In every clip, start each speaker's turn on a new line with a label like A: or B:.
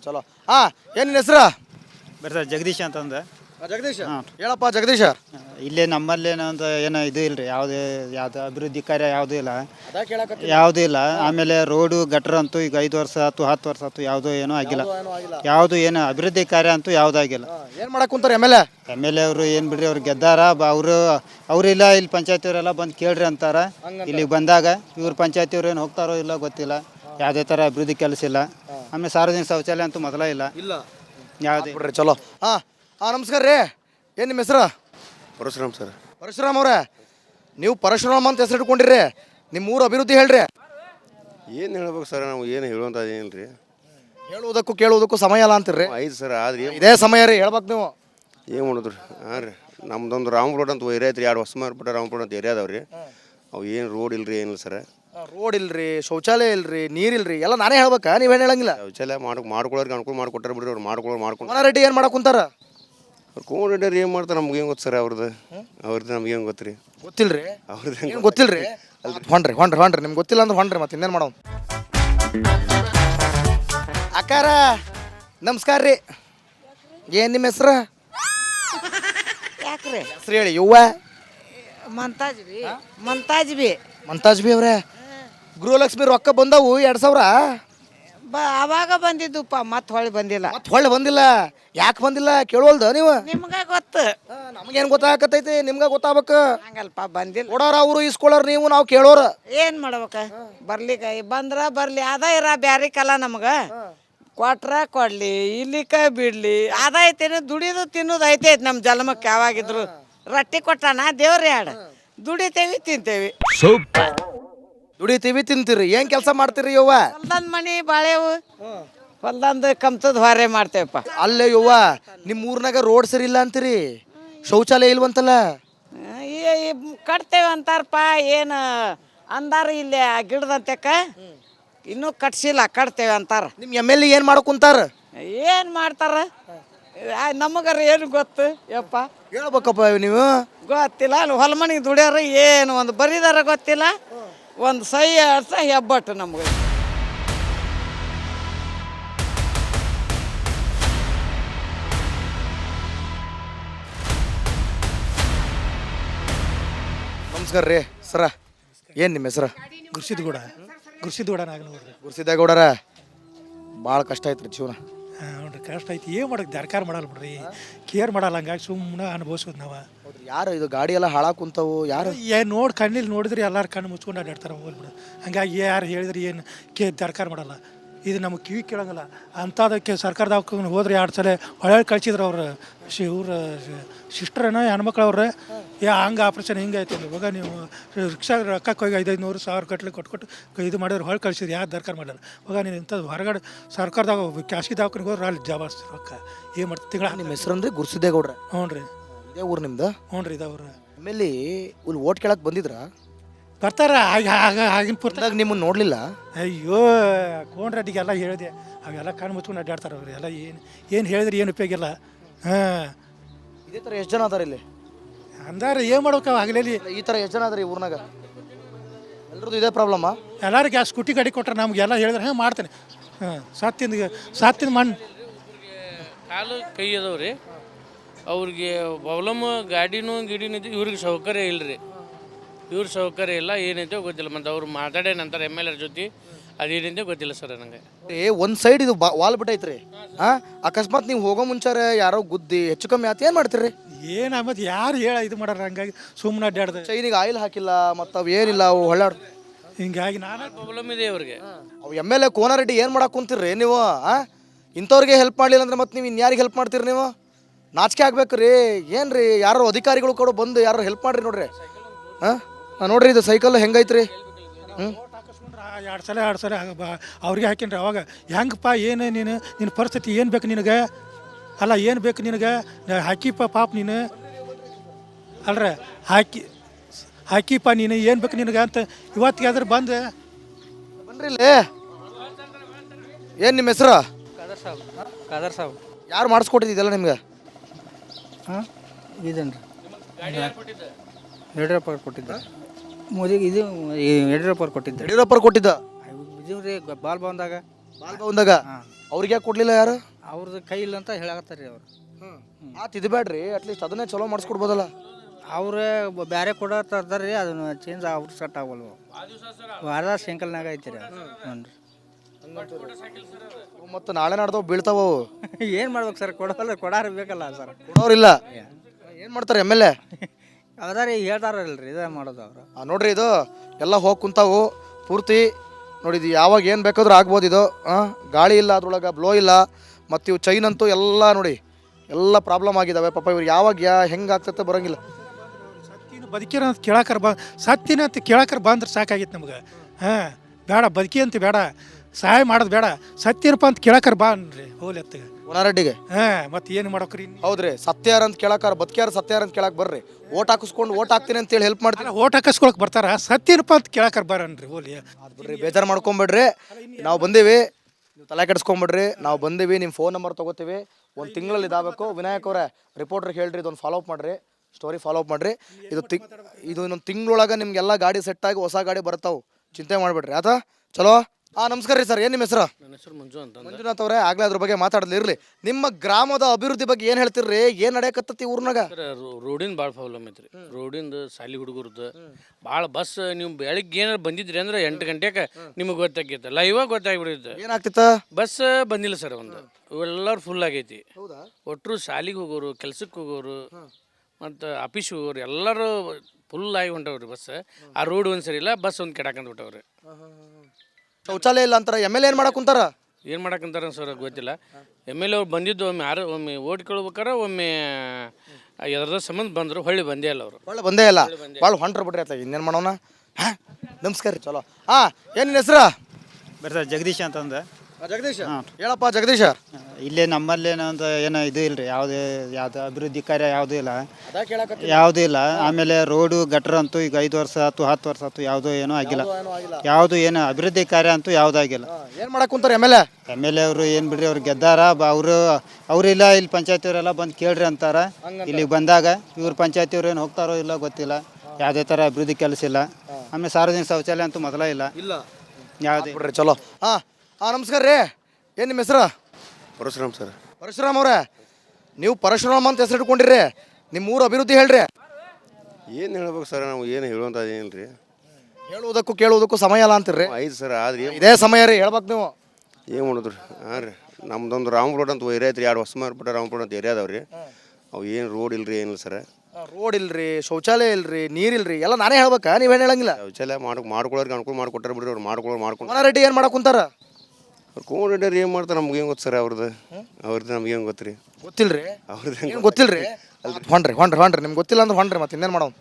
A: ಚಲೋ ಏನು ನಿನ್ನ ಹೆಸರು?
B: ಬರ್ರಿ ಸರ್ ಜಗದೀಶ್ ಅಂತಂದು
A: ಜಗದೀಶ್.
B: ಹಾಂ.
A: ಹೇಳಪ್ಪ ಜಗದೀಶ.
B: ಇಲ್ಲೇ ನಮ್ಮಲ್ಲೇನಂತ ಏನೋ ಇದು ಇಲ್ಲ ರೀ, ಯಾವುದು ಅಭಿವೃದ್ಧಿ ಕಾರ್ಯ ಯಾವುದೂ ಇಲ್ಲ,
A: ಅದ ಕೇಳಕತ್ತೀನಿ.
B: ಯಾವುದೂ ಇಲ್ಲ. ಆಮೇಲೆ ರೋಡು ಗಟ್ರ ಅಂತೂ ಈಗ 5 ವರ್ಷ ಆಯ್ತು 10 ವರ್ಷ ಆಯ್ತು ಯಾವುದೂ ಏನೂ ಆಗಿಲ್ಲ. ಯಾವುದು ಏನು ಅಭಿವೃದ್ಧಿ ಕಾರ್ಯ ಅಂತೂ ಯಾವುದೂ ಆಗಿಲ್ಲ.
A: ಏನು ಮಾಡಕ್ ಕುಂತಾರೆ ಎಮ್ ಎಲ್ ಎ?
B: ಅವರು ಏನು ಬಿಡ್ರಿ, ಅವ್ರು ಗೆದ್ದಾರ ಅವರಿಲ್ಲ, ಇಲ್ಲಿ ಪಂಚಾಯತಿಯವರೆಲ್ಲ ಬಂದು ಕೇಳ್ರಿ ಅಂತಾರ. ಇಲ್ಲಿಗೆ ಬಂದಾಗ ಇವ್ರು ಪಂಚಾಯತಿಯವ್ರು ಏನು ಹೋಗ್ತಾರೋ ಇಲ್ಲ ಗೊತ್ತಿಲ್ಲ. ಯಾವುದೇ ಥರ ಅಭಿವೃದ್ಧಿ ಕೆಲಸ ಇಲ್ಲ. ಆಮೇಲೆ ಸಾರ್ವಜನಿಕ ಶೌಚಾಲಯ ಅಂತೂ ಮೊದಲೇ ಇಲ್ಲ. ಯಾವುದೇ
A: ಬಿಡ್ರಿ ಚಲೋ. ನಮಸ್ಕಾರ ರೀ. ಏನು ನಿಮ್ಮ ಹೆಸರು?
C: ಪರಶುರಾಮ್ ಸರ್.
A: ಪರಶುರಾಮ್ ಅವರೇ, ನೀವು ಪರಶುರಾಮ್ ಅಂತ ಹೆಸರು ಇಟ್ಕೊಂಡಿರಿ. ನಿಮ್ಮ ಊರು ಅಭಿವೃದ್ಧಿ ಹೇಳ್ರಿ.
C: ಏನು ಹೇಳ್ಬೇಕು ಸರ್, ನಾವು ಏನು ಹೇಳುವಂಥದ್ದು ಏನಿಲ್ಲ ರೀ.
A: ಹೇಳುವುದಕ್ಕೂ ಕೇಳುವುದಕ್ಕೂ ಸಮಯ ಅಲ್ಲ ಅಂತೀರಿ.
C: ಐದು ಸರ್, ಆದ್ರೆ
A: ಇದೇ ಸಮಯ ರೀ ಹೇಳ್ಬೇಕು ನೀವು.
C: ಏನು ಮಾಡಿದ್ರಿ? ಹಾಂ ರೀ, ನಮ್ದೊಂದು ರಾಮ್ ರೋಡ್ ಅಂತ ಏರಿಯಾ ಐತ್ರಿ, 2 ವರ್ಷ ಮಾರ್ಬಿಟ್ಟ ರಾಮ್ ರೋಡ್ ಅಂತ ಏರಿಯಾ ಅದಾವ ರೀ. ಅವು ಏನು ರೋಡ್ ಇಲ್ರಿ, ಏನಿಲ್ಲ ಸರ್.
A: ರೋಡ್ ಇಲ್ರಿ, ಶೌಚಾಲಯ ಇಲ್ರಿ, ನೀರಿಲ್ರಿ, ಎಲ್ಲ ನಾನೇ ಹೇಳ್ಬೇಕಾ? ನೀವೇನು ಹೇಳಂಗಿಲ್ಲ.
C: ಶೌಚಾಲಯ ಮಾಡ್ಕೊಳ್ಳೋರಿಗೆ ಅನುಕೂಲ ಮಾಡ್ಕೊಟ್ಟಾರ ಬಿಡ್ರಿ. ಅವ್ರು ಮಾಡ್ಕೊಂಡು
A: ಮೋಹನ ರೆಡ್ಡಿ ಏನು ಮಾಡಕ್ ಕುಂತಾರ?
C: ಅವ್ರು ಕೋಮರೆಡ್ಡಿ ಏನು ಮಾಡ್ತಾರೆ ನಮ್ಗೆ ಏನು ಗೊತ್ತು ಸರ್. ಅವ್ರದ್ದು ನಮ್ಗೆ ಏನು ಗೊತ್ತು ರೀ?
A: ಗೊತ್ತಿಲ್ರಿ.
C: ಅವ್ರದ್ದು
A: ಏನು ಗೊತ್ತಿಲ್ರಿ? ಹೊಂಡ್ರಿ ನಿಮ್ಗೆ ಗೊತ್ತಿಲ್ಲ ಅಂದ್ರೆ ಹೊಂಡ್ರಿ, ಮತ್ತೆ ಇನ್ನೇನು ಮಾಡೋಣ. ಅಕ್ಕಾರ ನಮಸ್ಕಾರ ರೀ. ಏನು ನಿಮ್ಮ ಹೆಸ್ರು?
D: ಯಾಕ್ರಿ?
A: ಹೆಸ್ರು ಹೇಳಿ. ಯುವ
D: ಮಂತಾಜ್ ಬಿ
A: ಮಂತಾಜ್ ಬಿ ಅವ್ರೆ, ಗೃಹಲಕ್ಷ್ಮಿ ರೊಕ್ಕ ಬಂದವು 2000.
D: ಅವಾಗ ಬಂದಿದ್ದುಪ್ಪ, ಮತ್ತೆ ಹೊಳ್ಳಿ ಬಂದಿಲ್ಲ.
A: ಮತ್ತೆ ಹೊಳ್ಳಿ ಬಂದಿಲ್ಲ. ಯಾಕೆ ಬಂದಿಲ್ಲ ಕೇಳೋಲ್ದ ನೀವು?
D: ನಿಮ್ಗ ಗೊತ್ತು,
A: ನಮಗೇನು ಗೊತ್ತಾಗತ್ತೈತಿ, ನಿಮ್ಗೆ ಗೊತ್ತಾಗಬೇಕು.
D: ಹಂಗಲ್ಪ ಬಂದಿಲ್ಲ.
A: ಕೊಡೋರ ಅವರು ಇಸ್ಕೊಳ್ಳೋರು ನೀವು, ನಾವು ಕೇಳೋರ.
D: ಏನ್ ಮಾಡ್ಬೇಕ? ಬರ್ಲಿಕ್ಕ ಬಂದ್ರ ಬರ್ಲಿ, ಅದ ಇರ ಬ್ಯಾರಿಕಲ್ಲ ನಮ್ಗ. ಕೊಟ್ರ ಕೊಡ್ಲಿ, ಇಲ್ಲಿಕ ಬಿಡ್ಲಿ, ಅದ ಐತೇನು? ದುಡಿದು ತಿನ್ನೋದು ಐತೆ ನಮ್ಮ ಜನ್ಮಕ್ಕೆ. ಯಾವಾಗಿದ್ರು ರೊಟ್ಟಿ ಕೊಟ್ಟಾನ ದೇವ್ರ ಹಾಡು. ದುಡಿತೇವಿ ತಿಂತೇವಿ.
A: ದುಡಿತೀವಿ ತಿಂತೀರಿ. ಏನ್ ಕೆಲಸ ಮಾಡ್ತೀರಿ ಯವ್ವ?
D: ಹೊಲ್ದಂದ್ ಮನಿ ಬಾಳೆವು, ಹೊಲ್ದಂದು ಕಮ್ತದ ಹೊರೆ ಮಾಡ್ತೇವಪ್ಪ.
A: ಅಲ್ಲೇ ಯವ್ವ, ನಿಮ್ಮ ಊರ್ನಾಗ ರೋಡ್ ಸರಿ ಇಲ್ಲ ಅಂತೀರಿ, ಶೌಚಾಲಯ ಇಲ್ವಂತಲ್ಲ?
D: ಕಟ್ತೇವೆ ಅಂತಾರಪ್ಪ. ಏನು ಅಂದಾರ ಇಲ್ಲಿ ಗಿಡದಂತೆಕ ಇನ್ನೂ ಕಟ್ಸಿಲ್ಲ, ಕಟ್ತೇವೆ ಅಂತಾರ.
A: ನಿಮ್ಮ ಎಮ್ ಎಲ್ ಎ ಏನು ಮಾಡಕ್ ಕುಂತಾರ?
D: ಏನು ಮಾಡ್ತಾರ ನಮಗಾರ ಏನು ಗೊತ್ತು ಯಪ್ಪ?
A: ಹೇಳ್ಬೇಕಪ್ಪ ನೀವು.
D: ಗೊತ್ತಿಲ್ಲ. ಅಲ್ಲಿ ಹೊಲ ಮನೆಗೆ ದುಡಿಯೋರು ಏನು ಒಂದು ಬರೀದಾರ ಗೊತ್ತಿಲ್ಲ. ಒಂದು ಸೈ ಅರ್ಸ ಹೆಬ್ಬಟ್ಟು ನಮ್ಗೆ.
A: ನಮಸ್ಕಾರ ರೀ ಸರ. ಏನು ನಿಮ್ಮ ಹೆಸರು?
E: ಗುರ್ಸಿದ್ಗೂಡ ನಾಗನೂರು.
A: ಗುರುಸಿದ್ದೇಗೌಡರ, ಭಾಳ ಕಷ್ಟ ಐತ್ರಿ ಜೀವನ.
E: ನೋಡ್ರಿ ಕಷ್ಟ ಐತಿ. ಏನು ಮಾಡೋಕೆ ದರ್ಕಾರ ಮಾಡಲ್ಲ ಬಿಡ್ರಿ, ಕೇರ್ ಮಾಡಲ್ಲ. ಹಂಗಾಗಿ ಸುಮ್ಮನೆ ಅನುಭವಿಸೋದು ನಾವು.
A: ಯಾರು ಇದು ಗಾಡಿ ಎಲ್ಲ ಹಾಳಾಗಿ ಕುಂತವು? ಯಾರು
E: ನೋಡಿ ಕಣ್ಣಿಲ್ಲಿ ನೋಡಿದ್ರಿ ಎಲ್ಲರೂ ಕಣ್ಣು ಮುಚ್ಕೊಂಡು ಅಡ್ಡಾಡ್ತಾರೆ ಹೋಗ್ಬಿಡು. ಹಂಗಾಗಿ ಯಾರು ಹೇಳಿದ್ರಿ ಏನು ದರ್ಕಾರ ಮಾಡಲ್ಲ. ಇದು ನಮಗೆ ಕಿವಿ ಕೇಳಂಗಿಲ್ಲ. ಅಂಥದಕ್ಕೆ ಸರ್ಕಾರ ದವಾಖಾನೆ ಹೋದ್ರೆ 2 ಸಲ ಹೊಳೆ ಕಳ್ಸಿದ್ರು. ಅವ್ರು ಇವ್ರ ಸಿಸ್ಟ್ರನ ಹೆಣ್ಮಕ್ಳು ಅವ್ರೆ, ಹಂಗೆ ಆಪ್ರೇಷನ್ ಹಿಂಗೆ ಐತೆ. ಇವಾಗ ನೀವು ರಿಕ್ಷಾ ರೊಕ್ಕಕ್ಕೆ ಹೋಗಿ 500-1000 ಸಾವಿರ ಕಟ್ಲಿ ಕೊಟ್ಟು ಇದು ಮಾಡಿದ್ರೆ ಹೊಳೆ ಕಳ್ಸಿದ್ರು. ಯಾರು ದರ್ಕಾರ ಮಾಡಲ್ಲ. ಇವಾಗ ನೀನು ಇಂಥದ್ದು ಹೊರಗಡೆ ಸರ್ಕಾರದಾಗ ಖಾಸಗಿ ದವಾಖಾನೆಗೆ ಹೋದ್ರೆ ಅಲ್ಲಿ ಜವಾಬ್ದಾರಿ ರೊಕ್ಕ ಏನು ಮಾಡ್ತೀವಿ ತಿಂಗಳ.
A: ನಿಮ್ಮ ಹೆಸರು ಅಂದ್ರೆ ಗುರುಸಿದ್ದೇಗೌಡ್ರ?
E: ಹ್ಞೂ ರೀ.
A: ಇದೇ ಊರು ನಿಮ್ದು?
E: ಹ್ಞೂ ರೀ, ಇದಾವ್ರ.
A: ಆಮೇಲೆ ಇಲ್ಲಿ ಓಟ್ ಕೇಳಕ್ಕೆ ಬಂದಿದ್ರ?
E: ಬರ್ತಾರ ಆಗಿನ ಪುರ್ತದಾಗ.
A: ನಿಮ್ಮನ್ನು ನೋಡಲಿಲ್ಲ?
E: ಅಯ್ಯೋ ಕೋಣ್ರೆಡ್ಡಿಗೆಲ್ಲ ಹೇಳಿದೆ, ಅವೆಲ್ಲ ಕಣ್ಣು ಮುಚ್ಕೊಂಡು ಅಡ್ಡಾಡ್ತಾರೆ ಅವ್ರು. ಎಲ್ಲ ಏನು ಹೇಳಿದ್ರೆ ಏನು ಉಪಯೋಗ ಇಲ್ಲ.
A: ಇದೇ ಥರ ಎಷ್ಟು ಜನ ಅದಾರ ಇಲ್ಲಿ?
E: ಅಂದಾರೆ ಏನು ಮಾಡ್ಬೇಕು ಆಗಲಿ.
A: ಈ ಥರ ಎಷ್ಟು ಜನ ಅದಾರ ಈ ಊರ್ನಾಗ? ಎಲ್ರದ್ದು ಇದೇ ಪ್ರಾಬ್ಲಮ್ಮ?
E: ಎಲ್ಲರಿಗೆ ಆ ಸ್ಕೂಟಿ ಗಾಡಿ ಕೊಟ್ರೆ ನಮಗೆಲ್ಲ ಹೇಳಿದ್ರೆ ಮಾಡ್ತೇನೆ. ಸಾತ್ತಿನ ಮಣ್ಣು
F: ಕಾಲು ಕೈ ಅದಾವ ರೀ. ಅವ್ರಿಗೆ ಪ್ರಾಬ್ಲಮ್ ಗಾಡಿನೂ ಇದ್ದು ಇವ್ರಿಗೆ ಸೌಕರ್ಯ ಇಲ್ಲ ರೀ. ಇವ್ರ ಸೌಕರ್ಯ ಇಲ್ಲ, ಏನೈತೆ ಗೊತ್ತಿಲ್ಲ. ಮತ್ತು ಅವ್ರು ಮಾತಾಡೇ ನಂತರ ಎಮ್ ಎಲ್ ಎರ್ ಜೊತೆ ಅದೇನೈತೆ ಗೊತ್ತಿಲ್ಲ ಸರ್ ನನಗೆ.
A: ಒಂದು ಸೈಡ್ ಇದು ವಾಲ್ ಬಿಟ್ಟೈತ್ರಿ. ಅಕಸ್ಮಾತ್ ನೀವು ಹೋಗೋ ಮುಂಚಾರ ಯಾರೋ ಗುದ್ದಿ ಹೆಚ್ಚು ಕಮ್ಮಿ ಆಯ್ತು ಏನು ಮಾಡ್ತೀರಿ?
E: ಏನು ಮತ್ತು ಯಾರು ಇದು ಮಾಡ್ಯಾರ? ಹಂಗಾಗಿ ಸುಮ್ಮನೆ ಅಡ್ಡಾಡ್ದೆ.
A: ಚೈನಿಗೆ ಆಯಿಲ್ ಹಾಕಿಲ್ಲ, ಮತ್ತು ಅವು ಏನಿಲ್ಲ, ಅವು ಹೊಳ್ಳಾಡ್.
E: ಹಿಂಗಾಗಿ ನಾನು
F: ಪ್ರಾಬ್ಲಮ್ ಇದೆ ಅವ್ರಿಗೆ.
A: ಅವು ಎಮ್ ಎಲ್ ಎ ಕೋನರೆಡ್ಡಿ ಏನು ಮಾಡಕ್ಕೆ ಕುಂತೀರಿ ನೀವು? ಇಂಥವ್ರಿಗೆ ಹೆಲ್ಪ್ ಮಾಡಲಿಲ್ಲ ಅಂದ್ರೆ ಮತ್ತೆ ನೀವು ಇನ್ಯಾರಿಗೆ ಹೆಲ್ಪ್ ಮಾಡ್ತೀರಿ ನೀವು? ನಾಚಿಕೆ ಆಗ್ಬೇಕು ರೀ. ಏನು ರೀ, ಯಾರು ಅಧಿಕಾರಿಗಳು ಕೂಡ ಬಂದು ಯಾರು ಹೆಲ್ಪ್ ಮಾಡ್ರಿ ನೋಡ್ರಿ. ನೋಡ್ರಿ ಇದು ಸೈಕಲ್ ಹೆಂಗೈತ್ರಿ.
E: 2 ಸಲ ಅವ್ರಿಗೆ ಹಾಕಿನ್ರಿ. ಅವಾಗ ಹೆಂಗಪ್ಪ ಏನು ನಿನ್ನ ಪರಿಸ್ಥಿತಿ ಏನು ಬೇಕು ನಿನಗೆ? ಅಲ್ಲ ಏನು ಬೇಕು ನಿನಗೆ? ಹಾಕಿಪ್ಪ ಪಾಪ ನೀನು ಅಲ್ರ ಹಾಕಿಪ್ಪ ನೀನು ಏನು ಬೇಕು ನಿನಗೆ ಅಂತ ಇವತ್ತಿಗೆ ಆದ್ರೆ ಬನ್ರಿ
A: ಇಲ್ಲಿ. ಏನು ನಿಮ್ಮ ಹೆಸರು?
B: ಕಾದರ್ ಸಾಬ್.
A: ಯಾರು ಮಾಡಿಸ್ಕೊಟ್ಟಿದ್ದೆಲ್ಲ ನಿಮ್ಗೆ?
B: ಇದೇನು ಯಡಿಯೂರಪ್ಪ ಕೊಟ್ಟಿದ್ದ. ಮೋದಿಗೆ ಇದು ಯಡಿಯೂರಪ್ಪ ಕೊಟ್ಟಿದ್ದ.
A: ಯಡಿಯೂರಪ್ಪ ಕೊಟ್ಟಿದ್ದ
B: ಇದು ರೀ ಬಾಲ್ ಬಂದಾಗ
A: ಬಂದಾಗ ಅವ್ರಿಗೆ ಯಾಕೆ ಕೊಡ್ಲಿಲ್ಲ ಯಾರು?
G: ಅವ್ರದ್ದು ಕೈ ಇಲ್ಲ ಅಂತ ಹೇಳಕತ್ತಾರ ರೀ ಅವ್ರು.
A: ಆತ್ ಇದು ಬೇಡ್ರಿ, ಅಟ್ಲೀಸ್ಟ್ ಅದನ್ನೇ ಚಲೋ ಮಾಡಿಸ್ಕೊಡ್ಬೋದಲ್ಲ.
G: ಅವ್ರೆ ಬೇರೆ ಕೊಡೋ ತರ್ತಾರೆ ರೀ, ಅದನ್ನು ಚೇಂಜ್ ಅವ್ರು ಸೆಟ್ ಆಗಲ್ವ. ವಾರದ ಸೈಕಲ್ನಾಗ ಐತಿ ರೀ. ಹ್ಞೂ ರೀ.
A: ಮತ್ತು ನಾಳೆ ನಾಡ್ದವು ಬೀಳ್ತಾವ.
G: ಏನು ಮಾಡ್ಬೇಕು ಸರ್? ಕೊಡಾರ ಬೇಕಲ್ಲ ಸರ್.
A: ಕೊಡೋರಿಲ್ಲ. ಏನು ಮಾಡ್ತಾರೆ MLA?
G: ಅದಾರ ಹೇಳ್ತಾರಲ್ರಿ, ಇದೇ ಮಾಡೋದು ಅವರು.
A: ನೋಡ್ರಿ ಇದು ಎಲ್ಲ ಹೋಗಿ ಕುಂತಾವು ಪೂರ್ತಿ. ನೋಡಿ ಇದು ಯಾವಾಗ ಏನು ಬೇಕಾದ್ರೂ ಆಗ್ಬೋದು ಇದು. ಗಾಳಿ ಇಲ್ಲ, ಅದ್ರೊಳಗೆ ಬ್ಲೋ ಇಲ್ಲ, ಮತ್ತು ಇವು ಚೈನ್ ಅಂತೂ ಎಲ್ಲ ನೋಡಿ ಎಲ್ಲ ಪ್ರಾಬ್ಲಮ್ ಆಗಿದ್ದಾವೆ. ಪಾಪ ಇವ್ರು ಯಾವಾಗ ಹೆಂಗೆ ಆಗ್ತೈತೆ ಬರೋಂಗಿಲ್ಲ.
E: ಸತ್ತಿನ ಬದುಕಿರ ಅಂತ ಕೇಳಾಕರ್ ಸತ್ತಿನ ಅಂತ ಕೇಳಾಕರ್ ಬಂದ್ರೆ ಸಾಕಾಗಿತ್ತು ನಮ್ಗೆ. ಬೇಡ ಬದುಕಿ ಅಂತ ಬೇಡ, ಸಹಾಯ ಮಾಡೋದು ಬೇಡ, ಸತ್ತಿನಪ್ಪ ಅಂತ ಕೇಳಾಕರ್ ಬಾ ಅನ್ರಿ ಹೋಗ್ಲಿ ಎತ್ತಗೆ
A: ವನಾರೆಡ್ಡಿಗೆ.
E: ಮತ್ತೆ ಏನು ಮಾಡೋಕ್ರಿ?
A: ಹೌದ್ರಿ, ಸತ್ಯಾರ ಅಂತ ಕೇಳಾಕಾರ ಬದುಕ್ಯಾರ ಸತ್ಯಾರ ಅಂತ ಕೇಳಕ್ ಬರ್ರಿ. ಓಟ್ ಹಾಕಿಸ್ಕೊಂಡು ಓಟ್ ಹಾಕ್ತೀನಿ ಅಂತೇಳಿ ಹೆಲ್ಪ್ ಮಾಡ್ತೀನಿ.
E: ಓಟ್ ಹಾಕಿಸ್ಕೊಳಕ್ ಬರ್ತಾರ, ಸತ್ತಿನಪ್ಪ ಅಂತ ಕೇಳಾಕರ್ ಬಾರನ್ರಿ ಹೋಗ್ಲಿ.
A: ಬಿಡ್ರಿ, ಬೇಜಾರು ಮಾಡ್ಕೊಂಬಿಡ್ರಿ. ನಾವು ಬಂದೀವಿ, ನೀವು ತಲೆ ಕೆಡಿಸ್ಕೊಂಬಿಡ್ರಿ. ನಾವು ಬಂದೀವಿ, ನಿಮ್ಮ ಫೋನ್ ನಂಬರ್ ತೊಗೋತೀವಿ. ಒಂದು ತಿಂಗಳಲ್ಲಿ ಇದಾಗಬೇಕು. ವಿನಾಯಕ್ ಅವರೇ, ರಿಪೋರ್ಟ್ರಿಗೆ ಹೇಳ್ರಿ, ಇದೊಂದು ಫಾಲೋ ಅಪ್ ಮಾಡಿರಿ, ಸ್ಟೋರಿ ಫಾಲೋ ಅಪ್ ಮಾಡಿರಿ. ಇದು ಇನ್ನೊಂದು ತಿಂಗಳೊಳಗೆ ನಿಮ್ಗೆಲ್ಲ ಗಾಡಿ ಸೆಟ್ ಆಗಿ ಹೊಸ ಗಾಡಿ ಬರ್ತಾವೆ, ಚಿಂತೆ ಮಾಡಿಬಿಡ್ರಿ ಆತ. ಚಲೋ. ನಮಸ್ಕಾರ ರೀ ಸರ್, ಏನು ನಿಮ್ಮ ಹೆಸರು?
F: ನನ್ನ ಹೆಸರು ಮಂಜು ಅಂತ.
A: ಮಂಜುನಾಥ್ ಅವರೇ, ಆಗಲೇ ಅದ್ರ ಬಗ್ಗೆ ಮಾತಾಡಲಿ ಇರಲಿ. ನಿಮ್ಮ ಗ್ರಾಮದ ಅಭಿವೃದ್ಧಿ ಬಗ್ಗೆ ಏನು ಹೇಳ್ತೀರಿ? ಏನು ನಡೆಯಕತ್ತತಿ ಊರ್ನಾಗ?
F: ರೋಡಿನ ಭಾಳ ಪ್ರಾಬ್ಲಮ್ ಐತ್ರಿ. ರೋಡಿಂದ ಸಾಲಿ ಹುಡುಗರದ್ದು ಭಾಳ ಬಸ್. ನೀವು ಬೆಳಿಗ್ಗೆ ಏನಾರು ಬಂದಿದ್ರಿ ಅಂದ್ರೆ 8 ಗಂಟೆಗೆ ನಿಮಗೆ ಗೊತ್ತಾಗೈತೆ, ಲೈವಾಗ ಗೊತ್ತಾಗ್ಬಿಡುತ್ತೆ.
A: ಏನಾಗ್ತಿತ್ತ?
F: ಬಸ್ ಬಂದಿಲ್ಲ ಸರ್. ಒಂದು ಇವೆಲ್ಲರೂ ಫುಲ್ ಆಗೈತಿ. ಒಟ್ಟರು ಶಾಲಿಗೆ ಹೋಗೋರು, ಕೆಲ್ಸಕ್ಕೆ ಹೋಗೋರು, ಮತ್ತು ಆಫೀಸ್ಗೆ ಹೋಗೋರು ಎಲ್ಲರೂ ಫುಲ್ ಆಗಿ ಹೊಂಟವ್ರಿ ಬಸ್. ಆ ರೋಡ್ ಒಂದು ಸರಿ ಇಲ್ಲ, ಬಸ್ ಒಂದು ಕೆಡಾಕಂತ ಬಿಟ್ಟವ್ರಿ.
A: ಶೌಚಾಲಯ ಇಲ್ಲ ಅಂತಾರೆ. MLA ಏನು ಮಾಡಕ್ ಕುಂತಾರ?
F: ಏನು ಮಾಡಕ್ಕಂತಾರ ಸರ್ ಗೊತ್ತಿಲ್ಲ. MLA ಅವ್ರು ಬಂದಿದ್ದು ಒಮ್ಮೆ ಓಟ್ ಕೇಳ್ಬೇಕಾರ, ಒಮ್ಮೆ ಎದ್ರದ ಸಂಬಂಧ ಬಂದರು, ಹೊಳ್ಳಿ ಬಂದೇ ಇಲ್ಲ ಅವರು.
A: ಒಳ್ಳೆ ಬಂದೇ ಇಲ್ಲ, ಭಾಳ ಹೊಂಟ್ರ ಬಿಡ್ರಿ ಆತ. ಇನ್ನೇನು ಮಾಡೋಣ? ನಮಸ್ಕಾರ ರೀ. ಚಲೋ. ಏನು ನಿನ್ನ ಹೆಸ್ರು?
B: ಬರ್ತಾರೆ ಜಗದೀಶ್ ಅಂತಂದು.
A: ಜಗದೀಶ್. ಹೇಳಪ್ಪ ಜಗದೀಶ.
B: ಇಲ್ಲೇ ನಮ್ಮಲ್ಲೇನಂತ ಏನೋ ಇದು ಇಲ್ಲ ರೀ, ಯಾವುದು ಅಭಿವೃದ್ಧಿ ಕಾರ್ಯ ಯಾವುದೂ ಇಲ್ಲ, ಯಾವುದೂ ಇಲ್ಲ. ಆಮೇಲೆ ರೋಡು ಗಟ್ರ ಅಂತೂ ಈಗ 5 ವರ್ಷ ಆಯ್ತು, 10 ವರ್ಷ ಆಯ್ತು, ಯಾವುದೂ ಏನೂ ಆಗಿಲ್ಲ. ಯಾವುದು ಏನು ಅಭಿವೃದ್ಧಿ ಕಾರ್ಯ ಅಂತೂ ಯಾವುದೂ ಆಗಿಲ್ಲ.
A: ಏನು ಮಾಡಕ್ ಕುಂತಾರೆ MLA?
B: MLA ಅವರು ಏನು ಬಿಡ್ರಿ, ಅವ್ರು ಗೆದ್ದಾರ. ಅವರಿಲ್ಲ, ಇಲ್ಲಿ ಪಂಚಾಯತಿಯವರೆಲ್ಲ ಬಂದು ಕೇಳ್ರಿ ಅಂತಾರ. ಇಲ್ಲಿಗೆ ಬಂದಾಗ ಇವ್ರು ಪಂಚಾಯತಿಯವ್ರು ಏನು ಹೋಗ್ತಾರೋ ಇಲ್ಲ ಗೊತ್ತಿಲ್ಲ. ಯಾವುದೇ ಥರ ಅಭಿವೃದ್ಧಿ ಕೆಲಸ ಇಲ್ಲ. ಆಮೇಲೆ ಸಾರ್ವಜನಿಕ ಶೌಚಾಲಯ ಅಂತೂ ಮೊದಲೇ ಇಲ್ಲ. ಯಾವುದೇ
A: ಬಿಡ್ರಿ. ಚಲೋ. ನಮಸ್ಕಾರ ರೀ. ಏನು ನಿಮ್ಮ ಹೆಸರು?
C: ಪರಶುರಾಮ್ ಸರ್.
A: ಪರಶುರಾಮ್ ಅವರೇ, ನೀವು ಪರಶುರಾಮ್ ಅಂತ ಹೆಸರು ಇಟ್ಕೊಂಡಿರಿ. ನಿಮ್ಮ ಊರು ಅಭಿವೃದ್ಧಿ ಹೇಳ್ರಿ.
C: ಏನು ಹೇಳ್ಬೇಕು ಸರ್? ನಾವು ಏನು ಹೇಳುವಂಥದ್ದು ಏನು ರೀ,
A: ಹೇಳುವುದಕ್ಕೂ ಕೇಳುವುದಕ್ಕೂ ಸಮಯ ಅಲ್ಲ ಅಂತೀರಿ.
C: ಐದು ಸರ್. ಆದ್ರೆ
A: ಇದೇ ಸಮಯ ರೀ, ಹೇಳ್ಬೇಕು ನೀವು.
C: ಏನು ಮಾಡಿದ್ರಿ? ರೀ ನಮ್ದೊಂದು ರಾಮ್ ರೋಡ್ ಅಂತ ಏರಿಯಾ ಐತ್ರಿ, 2 ಹೊಸ ಮಾರ್ಪಟ್ಟ ರಾಮ್ ರೋಡ್ ಅಂತ ಏರಿಯಾ ಅದಾವ್ರಿ. ಅವು ಏನು ರೋಡ್ ಇಲ್ರಿ, ಏನಿಲ್ಲ ಸರ್.
A: ರೋಡ್ ಇಲ್ರಿ, ಶೌಚಾಲಯ ಇಲ್ರಿ, ನೀರಿಲ್ರಿ, ಎಲ್ಲ ನಾನೇ ಹೇಳ್ಬೇಕಾ? ನೀವೇನು ಹೇಳಂಗಿಲ್ಲ.
C: ಶೌಚಾಲಯ ಮಾಡ್ಕೊಳ್ಳೋರಿಗೆ ಅನುಕೂಲ ಮಾಡ್ಕೊಟ್ಟಾರ ಬಿಡ್ರಿ. ಅವ್ರು ಮಾಡ್ಕೊಂಡು
A: ವನಾರೆಡ್ಡಿ ಏನು ಮಾಡಕ್ ಕುಂತಾರ?
C: ಅವ್ರು ಕೋಮರೆಡ್ಡಿ ಏನು ಮಾಡ್ತಾರೆ ನಮ್ಗೆ ಏನು ಗೊತ್ತು ಸರ್? ಅವ್ರದ್ದು ನಮ್ಗೆ ಏನು ಗೊತ್ತು ರೀ?
A: ಗೊತ್ತಿಲ್ರಿ.
C: ಅವ್ರದ್ದು
A: ಗೊತ್ತಿಲ್ರಿ. ಹೊಂಡ್ರಿ ನಿಮ್ಗೆ ಗೊತ್ತಿಲ್ಲ ಅಂದ್ರೆ ಹೊಂಡ್ರಿ, ಮತ್ತೆ ಇನ್ನೇನು ಮಾಡೋಣ?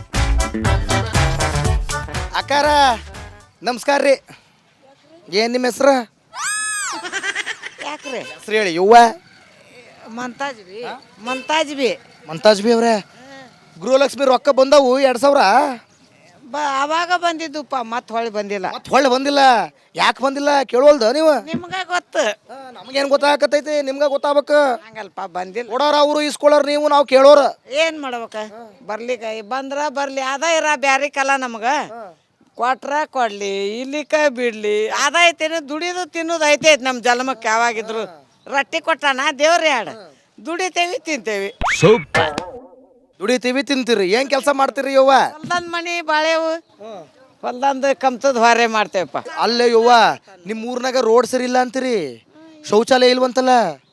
A: ಅಕ್ಕಾರ ನಮಸ್ಕಾರ ರೀ. ಏನು ನಿಮ್ಮ ಹೆಸ್ರು?
D: ಯಾಕ್ರಿ?
A: ಹೆಸ್ರು ಹೇಳಿ. ಯುವ
D: ಮಂತಾಜ್ ಬಿ.
A: ಮಂತಾಜ್ ಬಿ ಅವ್ರೆ, ಗೃಹಲಕ್ಷ್ಮಿ ರೊಕ್ಕ ಬಂದವು 2000.
D: ಅವಾಗ ಬಂದಿದ್ದುಪ್ಪ, ಮತ್ತೆ ಹೊಳ್ಳಿ ಬಂದಿಲ್ಲ.
A: ಮತ್ತೆ ಹೊಳ್ಳಿ ಬಂದಿಲ್ಲ. ಯಾಕೆ ಬಂದಿಲ್ಲ ಕೇಳೋಲ್ದ ನೀವು?
D: ನಿಮ್ಗ ಗೊತ್ತು,
A: ನಮಗೇನು ಗೊತ್ತಾಗತ್ತೈತಿ, ನಿಮ್ಗೆ ಗೊತ್ತಾಗಬೇಕು.
D: ಹಂಗಲ್ಪ ಬಂದಿಲ್ಲ.
A: ಕೊಡೋರ ಅವರು ಇಸ್ಕೊಳ್ಳೋರು ನೀವು, ನಾವು ಕೇಳೋರ.
D: ಏನು ಮಾಡ್ಬೇಕ? ಬರ್ಲಿಕ್ಕ ಬಂದ್ರ ಬರ್ಲಿ, ಅದ ಇರ ಬ್ಯಾರಿಕಲ್ಲ ನಮ್ಗೆ. ಕೊಟ್ರ ಕೊಡ್ಲಿ, ಇಲ್ಲಿಕ ಬಿಡ್ಲಿ, ಅದ ಐತೇನು? ದುಡಿದು ತಿನ್ನೋದು ಐತೈತಿ ನಮ್ಮ ಜನ್ಮಕ್ಕೆ. ಯಾವಾಗಿದ್ರು ರೊಟ್ಟಿ ಕೊಟ್ಟಾನ ದೇವ್ರ ಯಾಡ, ದುಡಿತೇವಿ ತಿಂತೇವಿ.
A: ದುಡಿತೀವಿ ತಿಂತೀರಿ, ಏನು ಕೆಲಸ ಮಾಡ್ತೀರಿ ಯವ್ವ?
D: ಹೊಲ್ದಂದ್ ಮನಿ ಬಾಳೆವು, ಹೊಲ್ದಂದು ಕಮ್ತದ ಹೊರೆ ಮಾಡ್ತೇವಪ್ಪ.
A: ಅಲ್ಲೇ ಯವ್ವ, ನಿಮ್ಮ ಊರ್ನಾಗ ರೋಡ್ ಸರಿ ಇಲ್ಲ ಅಂತೀರಿ, ಶೌಚಾಲಯ ಇಲ್ವಂತಲ್ಲ?